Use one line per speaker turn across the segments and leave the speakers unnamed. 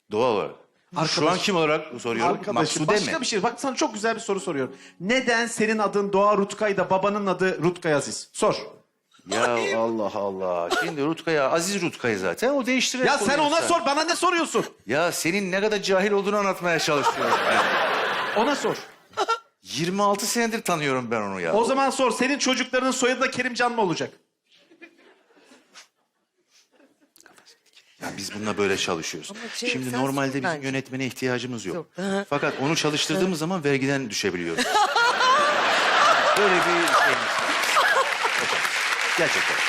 Doğal olarak. Şu an kim olarak soruyorum?
Arkadaşım
Maksude
başka
mi?
bir şey. Bak sana çok güzel bir soru soruyorum. Neden senin adın Doğa Rutkay da babanın adı Rutkay Aziz? Sor.
Ya Allah Allah. Şimdi Rutkaya, Aziz Rutkaya zaten. O değiştirir.
Ya sen ona sor, bana ne soruyorsun?
Ya senin ne kadar cahil olduğunu anlatmaya çalışıyorum.
Ona sor.
26 senedir tanıyorum ben onu ya.
O zaman sor, senin çocuklarının soyadı da Kerimcan mı olacak?
Ya biz bununla böyle çalışıyoruz.
Ama
Şimdi
sen
normalde
sor
bizim
bence.
yönetmene ihtiyacımız yok.
Yok. Hı.
Fakat onu çalıştırdığımız zaman vergiden düşebiliyoruz. Böyle bir şeyimiz var. Gerçekten.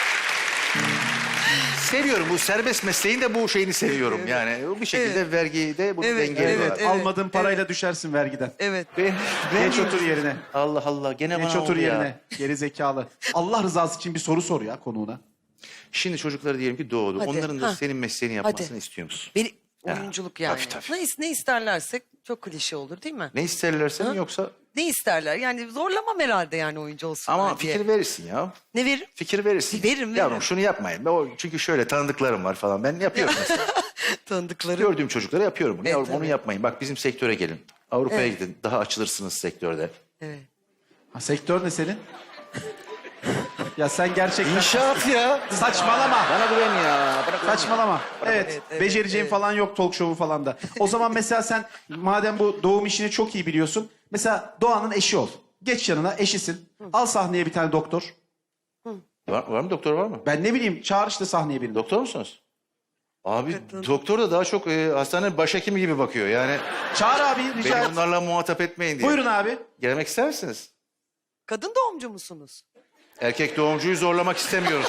Seviyorum bu serbest mesleğin de bu şeyini seviyorum. Yani bir şekilde vergide bunu
Evet,
dengeliyorlar.
evet.
Almadığın parayla düşersin vergiden.
Evet.
Ben
Geç otur yerine.
Allah Allah gene
Geç
bana
otur
oldu ya.
yerine. Geri zekalı. Allah rızası için bir soru sor ya konuğuna.
Şimdi çocukları diyelim ki doğdu.
Hadi,
Onların da
ha.
senin mesleğini yapmasını
Hadi.
istiyor musun?
Beni
Ya,
oyunculuk yani.
tabii.
Ne isterlerse çok klişe olur değil mi?
Ne isterlerse mi
Ha?
yoksa...
Ne isterler? Yani zorlamam herhalde yani oyuncu olsunlar
Ama
diye.
fikir verirsin ya.
Ne veririm?
Fikir verirsin.
Veririm.
Yavrum şunu yapmayın. Çünkü şöyle tanıdıklarım var falan. Ben yapıyorum mesela.
Tanıdıkları.
Gördüğüm çocuklara yapıyorum bunu.
Evet,
Yavrum onu
tabii.
yapmayın. Bak bizim sektöre gelin. Avrupa'ya
Evet.
gidin. Daha açılırsınız sektörde.
Evet.
Ha, sektör ne senin? Ya sen gerçekten...
İnşaat ya.
Saçmalama.
Bana güven ya. Bana güven.
Saçmalama. Evet,
evet,
becereceğin
evet.
falan yok talk show'u falan da. O zaman mesela sen madem bu doğum işini çok iyi biliyorsun. Mesela Doğan'ın eşi ol. Geç yanına eşisin. Al sahneye bir tane doktor.
Var mı doktor var mı?
Ben ne bileyim çağır işte sahneye birini.
Doktor musunuz? Abi
Evet,
doktor da daha çok hastane başhekimi gibi bakıyor. Yani
Çağır abi rica
beni
et.
onlarla muhatap etmeyin diye.
Buyurun abi.
Gelmek ister misiniz?
Kadın doğumcu musunuz?
Erkek doğumcuyu zorlamak istemiyoruz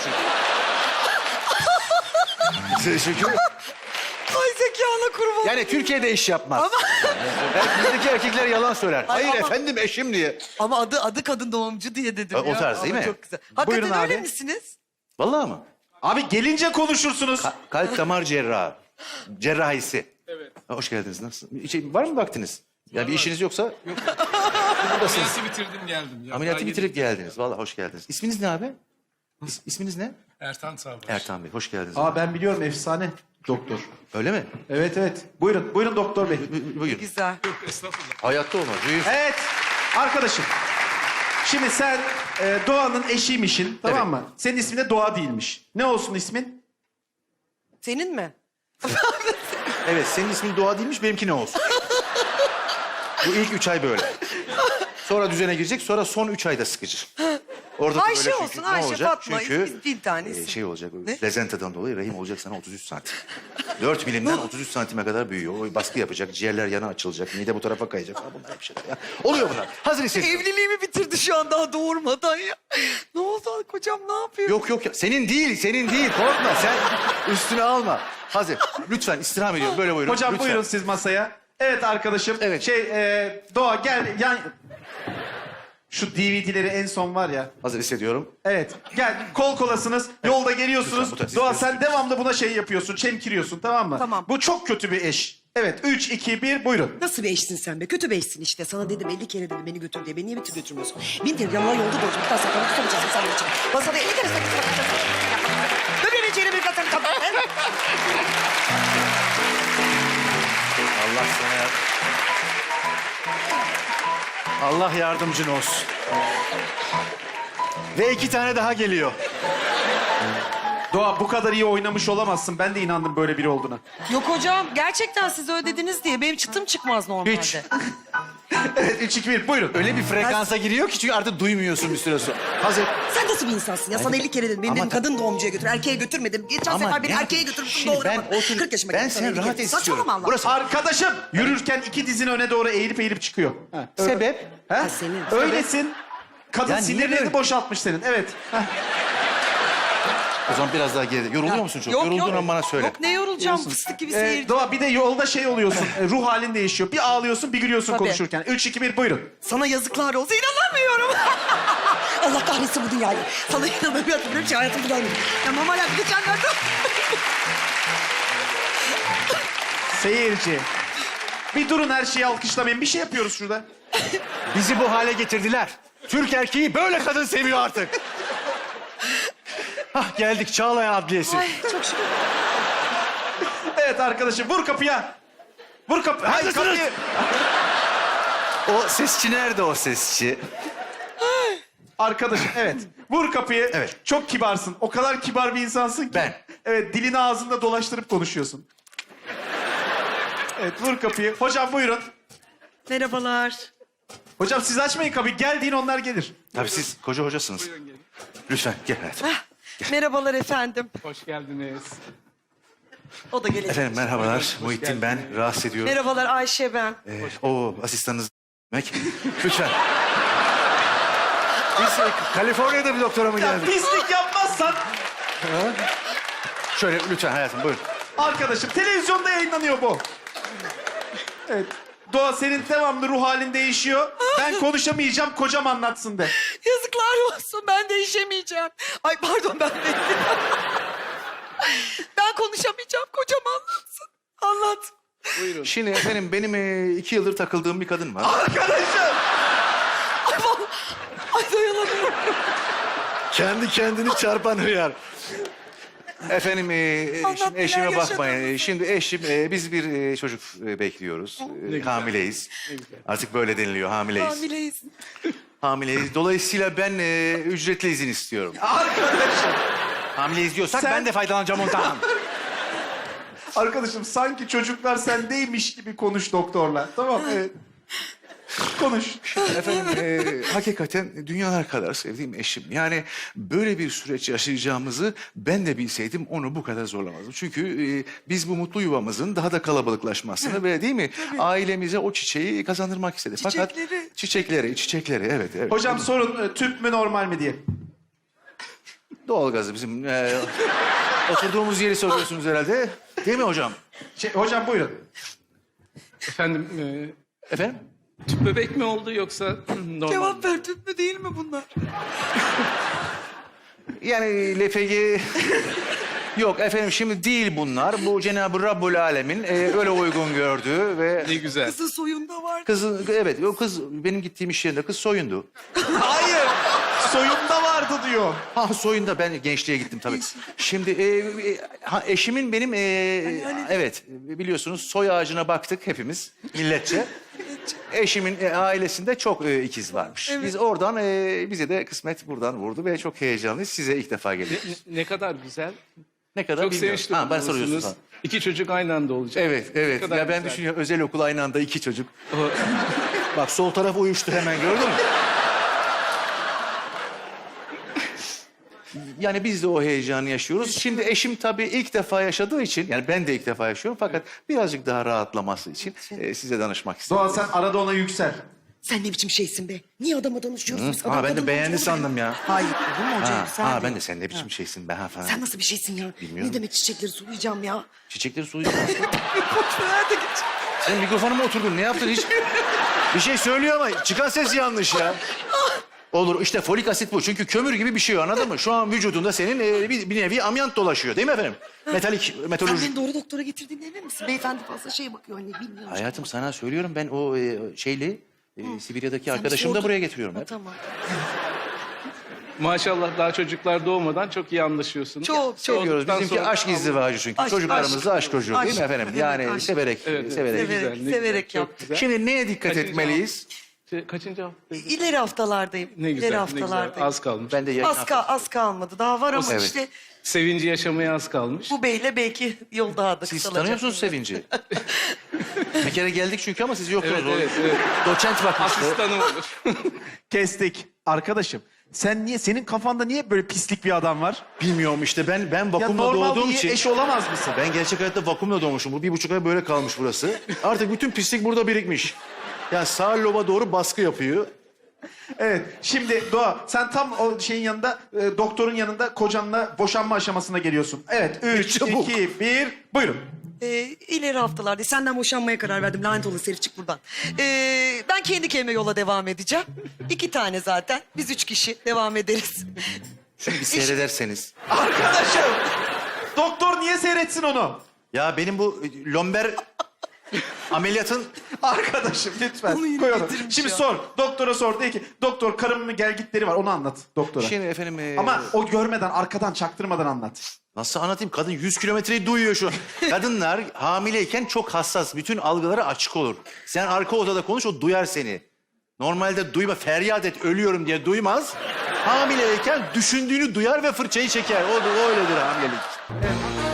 çünkü. Çünkü
Ay zekana kurban.
yani Türkiye'de iş yapmaz. Bizdeki erkekler yalan söyler.
Ay,
Hayır
ama-
efendim eşim diye.
Ama adı kadın doğumcu diye dedim
O
ya.
tarz değil
Ama
mi?
Çok güzel. Hakikaten
Buyurun
öyle
abi.
misiniz?
Vallahi mı?
Abi gelince konuşursunuz.
Kalp damar cerrahı. Cerrahisi. Evet. Hoş geldiniz. Nasılsınız? Var mı vaktiniz? Ya bir işiniz yoksa yok. Buradasınız.
Ameliyatı bitirdim geldim. Ya.
Ameliyatı
Daha
bitirip
yeni-
geldiniz. Vallahi hoş geldiniz. İsminiz ne abi? İsminiz ne?
Ertan Sağbaş.
Ertan Bey. Hoş geldiniz.
Aa ben biliyorum efsane doktor.
Öyle mi?
Evet evet. Buyurun. Buyurun doktor bey.
Buyurun.
Güzel.
Estağfurullah.
Hayatta olmaz. Büyük.
Evet. Arkadaşım. Şimdi sen Doğan'ın eşiymişsin. Tamam
Evet.
mı? Senin ismin de Doğa değilmiş. Ne olsun ismin?
Senin mi?
Evet senin ismin Doğa değilmiş benimki ne olsun? Bu ilk 3 ay böyle. Sonra düzene girecek sonra son 3 ayda sıkıcı. Orada da
Ayşe
böyle çünkü
olsun,
ne
Ayşe,
olacak?
Fatma,
Çünkü
bir tanesi.
şey olacak
Ne?
lezenteden dolayı rahim olacak sana 33 santim. 4 milimden 33 santime kadar büyüyor. O baskı yapacak, ciğerler yana açılacak, mide bu tarafa kayacak. Falan bunlar bir şeyler ya. Oluyor bunlar. Hazır hissediyorum.
Evliliğimi bitirdi şu an daha doğurmadan ya. Ne oldu kocam ne yapıyor?
Yok ya. Senin değil. Korkma sen üstüne alma. Hazır. Lütfen istirham ediyorum. Böyle buyurun.
Hocam
Lütfen.
buyurun siz masaya. Evet arkadaşım.
Evet.
Doğa gel yan... Şu DVD'leri en son var ya.
Hazır hissediyorum.
Evet. Gel kol kolasınız. Yolda geliyorsunuz.
Lütfen, bu tarz
Doğa
istiyorsun.
sen devamlı buna şey yapıyorsun. Çemkiriyorsun tamam mı?
Tamam.
Bu çok kötü bir eş. Evet 3, 2, 1 buyurun.
Nasıl bir eşsin sen be? Kötü bir eşsin işte. Sana dedim 50 kere dedim beni götür diye. Beni niye götürmüyorsun? Bin kere yanına yolda da olacak. Bir daha saklanıp tutamayacaksın sen benim için. Masada 50 kere saklanıp Dön içeri bir katın kadın.
Allah sana yardım. Allah yardımcın olsun. Ve 2 tane daha geliyor.
Doğa bu kadar iyi oynamış olamazsın. Ben de inandım böyle biri olduğuna.
Yok hocam gerçekten siz ödediniz diye benim çıtım çıkmaz normalde.
Hiç.
Evet 3, 2, 1 buyurun.
Öyle bir frekansa giriyor ki çünkü artık duymuyorsun bir süre sonra. Hazır.
Sen nasıl bir insansın ya? Sana 50 kere dedim. Beni
Ama
dedim kadın doğumcuya götür. Erkeğe götürmedim. Geçen
Ama
sefer beni
ne-
erkeğe götürmüşsün
Şimdi ben
doğuramadım.
o tür-
40 yaşıma
ben
geldim sana
seni
50
rahat
kere.
istiyorum.
Saçmalama Allah.
Burası-
Arkadaşım yürürken 2 dizin öne doğru eğilip çıkıyor. Ha, öyle.
Sebep?
He?
Ha, senin.
Öylesin. Kadın
Ya niye
sinirlerini
böyle?
boşaltmış senin. Evet. Heh.
O zaman biraz daha geride. Yoruluyor musun çok?
Yok,
Yorulduğun
yok.
an bana söyle.
Yok ne yorulacağım fıstık gibi seyirci.
Doğa bir de yolda şey oluyorsun. ruh halin değişiyor. Bir ağlıyorsun bir gülüyorsun
Tabii.
konuşurken. 3, 2, 1 buyurun.
Sana yazıklar olsun inanamıyorum.
Allah kahretsin bu dünyayı. Sana inanamıyorum. Böyle bir şey hayatımda görmedim. Tamam hala geçenlerde.
Seyirci. Bir durun her şeyi alkışlamayın. Bir şey yapıyoruz şurada.
Bizi bu hale getirdiler. Türk erkeği böyle kadın seviyor artık. Hah geldik Çağlayan Adliyesi.
Ay çok şükür.
Evet arkadaşım vur kapıya. Vur kapı. Hayır kapıyı.
O sesçi nerede o sesçi?
Arkadaşım evet. Vur kapıyı.
Evet.
Çok kibarsın. O kadar kibar bir insansın ki.
Ben.
Evet dilini ağzında dolaştırıp konuşuyorsun. Evet vur kapıyı. Hocam buyurun.
Merhabalar.
Hocam siz açmayın kapıyı. Gel deyin onlar gelir.
Tabii siz koca hocasınız. Lütfen gel hayatım.
Merhabalar efendim.
Hoş geldiniz.
O da gelecek.
Efendim merhabalar. Muhittin ben. Rahatsız ediyorum.
Merhabalar Ayşe ben.
O asistanınız demek. Lütfen. Biz Kaliforniya'da bir doktora mı
Ya
geldik?
pislik yapmazsan.
Şöyle lütfen hayatım buyurun.
Arkadaşım televizyonda yayınlanıyor bu. Evet. Doğa senin devamlı ruh halin değişiyor. Ben konuşamayacağım kocam anlatsın de.
Yazıklar olsun ben değişemeyeceğim. Ay pardon ben ben konuşamayacağım kocam anlatsın. Anlat.
Şimdi efendim benim 2 yıldır takıldığım bir kadın var.
Arkadaşım.
Ay, ay dayanamıyorum.
Kendi kendini çarpan hıyar. Efendim
Anlat,
şimdi eşime
neler
bakmayın.
yaşadınız?
Şimdi eşim biz bir çocuk bekliyoruz. Hamileyiz. Artık böyle deniliyor hamileyiz.
Hamileyiz.
Hamileyiz. Dolayısıyla ben ücretli izin istiyorum.
Arkadaşım.
Hamileyiz diyorsak
Sen-
ben de faydalanacağım ondan.
Arkadaşım sanki çocuklar sendeymiş gibi konuş doktorla. Tamam evet. Konuş.
Efendim hakikaten dünyalar kadar sevdiğim eşim. Yani böyle bir süreç yaşayacağımızı ben de bilseydim onu bu kadar zorlamazdım. Çünkü biz bu mutlu yuvamızın daha da kalabalıklaşmasını ve değil mi ailemize o çiçeği kazandırmak istedik. Fakat çiçekleri evet.
Hocam sorun tüp mü normal mi diye.
Doğalgazı bizim oturduğumuz yeri soruyorsunuz herhalde. Değil mi hocam?
Hocam buyurun.
Efendim,
Efendim?
tüp bebek mi oldu yoksa normal?
Cevap ver tüp mü değil mi bunlar?
Yani LPG... Yok efendim şimdi değil bunlar. Bu Cenab-ı Rabbul Alemin öyle uygun gördüğü ve...
Ne güzel.
Kızın soyunda var.
Kızın, evet o kız benim gittiğim iş yerinde kız soyundu.
Hayır. Soyunda vardı diyor.
Ha soyunda ben gençliğe gittim tabii. Şimdi eşimin benim evet biliyorsunuz soy ağacına baktık hepimiz milletçe. Eşimin ailesinde çok ikiz varmış. Biz oradan bize de kısmet buradan vurdu ve çok heyecanlıyız. Size ilk defa geliyoruz.
Ne kadar güzel.
Ne kadar
Çok
bilmiyorum.
sevinçli
Ha, bana soruyorsun.
olursunuz. 2 çocuk aynı anda olacak.
Evet.
Ne kadar
Ya ben
güzel.
düşünüyorum özel okul aynı anda 2 çocuk. Bak sol taraf uyuştu hemen gördün mü? Yani biz de o heyecanı yaşıyoruz. Şimdi eşim tabii ilk defa yaşadığı için, yani ben de ilk defa yaşıyorum fakat birazcık daha rahatlaması için size danışmak istedim.
Doğa sen arada ona yüksel.
Sen ne biçim şeysin be? Niye adama danışıyoruz biz? Adam
Ha ben
kadın
de beğendi
olacak.
sandım ya.
Hayır olur mu hocam?
Ha ben de sen ne biçim şeysin be ha falan.
Sen nasıl bir şeysin ya?
Bilmiyorum.
Ne demek çiçekleri sulayacağım ya?
Çiçekleri sulayacağım.
Boş ver de geç.
Sen mikrofonuma oturdun ne yaptın hiç? Bir şey söylüyor ama çıkan ses yanlış ya. Olur işte folik asit bu. Çünkü kömür gibi bir şey anladın mı? Şu an vücudunda senin bir nevi amyant dolaşıyor değil mi efendim? Metalik,
Sen
metalurji.
beni doğru doktora getirdiğine emin misin? Beyefendi fazla şeye bakıyor anne bilmiyorum.
Hayatım sana söylüyorum ben o Sibirya'daki
Sen bir
arkadaşımı da
sordun.
buraya getiriyorum.
Ha,
hep.
tamam.
Maşallah daha çocuklar doğmadan çok iyi anlaşıyorsunuz.
Çok.
Seviyoruz.
Olduktan
Bizimki
sonra-
aşk izdivacı çünkü.
Aşk,
Çocuklarımızda aşk çocuğu değil mi
aşk.
efendim?
Evet,
Yani
aşk.
severek,
Evet,
severek.
ne
Severek,
güzel, ne
severek
güzel, çok
yaptık.
güzel.
Şimdi neye dikkat
Kaçıncı
etmeliyiz?
Kaçıncı haftaydı?
İleri haftalardayım.
Ne güzel,
İleri
ne güzel.
haftalardayım.
Az kalmış.
Ben de yayın
Az kalmadı. Daha var ama
Evet.
işte
Sevinci yaşamaya az kalmış.
bu beyle belki yol daha da
Siz
kısalacak.
tanıyor musunuz Sevinci? Bir kere geldik çünkü ama siz yoktunuz.
Evet.
Doçent bakmıştı.
Asistanım olur.
Kestik. Arkadaşım senin kafanda niye böyle pislik bir adam var?
Bilmiyorum işte ben
Ya
vakumla
normal
doğduğum
bir
için.
eş olamaz mısın?
Ben gerçek hayatta vakumla doğmuşum. Bu 1,5 ay böyle kalmış burası. Artık bütün pislik burada birikmiş. Yani sağ loba doğru baskı yapıyor.
Evet. Şimdi Doğa sen tam o şeyin yanında doktorun yanında kocanla boşanma aşamasına geliyorsun. Evet. 3,
Çabuk.
2, 1. Buyurun.
İleri haftalarda senden boşanmaya karar verdim. Lanet olası herif çık buradan. Ben kendi kendime yola devam edeceğim. 2 tane zaten. Biz 3 kişi devam ederiz.
Şunu bir seyrederseniz.
Arkadaşım. Doktor niye seyretsin onu?
Ya benim bu lomber ameliyatın...
Arkadaşım lütfen.
Onu yine
Koy onu.
getirmiş
Şimdi
ya.
sor. Doktora sor. De ki doktor karımın gelgitleri var onu anlat doktora.
Şimdi efendim...
Ama o görmeden arkadan çaktırmadan anlat.
Nasıl anlatayım? Kadın 100 kilometreyi duyuyor şu an. Kadınlar hamileyken çok hassas. Bütün algıları açık olur. Sen arka odada konuş, o duyar seni. Normalde duyma, feryat et, ölüyorum diye duymaz. Hamileyken düşündüğünü duyar ve fırçayı çeker. O öyledir hamilelik.